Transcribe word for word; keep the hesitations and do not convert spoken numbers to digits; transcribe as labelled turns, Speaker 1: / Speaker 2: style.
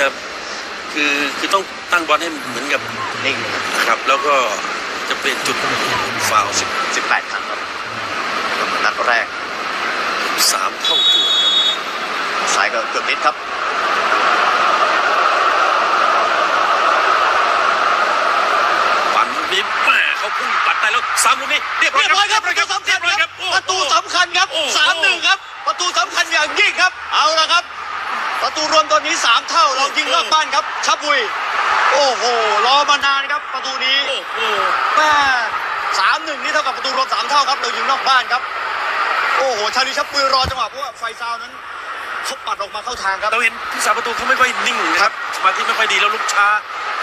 Speaker 1: จะคือคือต้องตั้งบอลให้เหมือนกับนิ่งนะครับแล้วก็จะเป็นจุดฟาวล์สิบ
Speaker 2: สิบแปดครั้งครับก็เหมือนนัดแรก
Speaker 1: สามเท่าตัว
Speaker 2: สายก็เกือบนิดครับ
Speaker 1: ปั่นลูกนี้แม่เขาพุ่งปัดได้แล้วซ้ำลูกนี้เรียบร้อยครับประตูสำคัญครับ
Speaker 2: ประตูสำคัญครับสามหนึ่งครับประตูสำคัญอย่างยิ่งครับเอาละครับประตูรวมตอนนี้สามเท่าเรายิงนอกบ้านครับชับบุยโอ้โหรอมานานครับประตูนี้
Speaker 1: โอ้โห
Speaker 2: แม่สามหนึ่งนี่เท่ากับประตูรวมสามเท่าครับเรายิงนอกบ้านครับโอ้โหชาลีชับบุยรอจังหวะเพราะว่าไฟซาวนั้นเขาปัดออกมาเข้าทางครับ
Speaker 1: เราเห็นผู้สาประตูเขาไม่ค่อยนิ่งนะครับสมาธิไม่ค่อยดีแล้วลุกช้า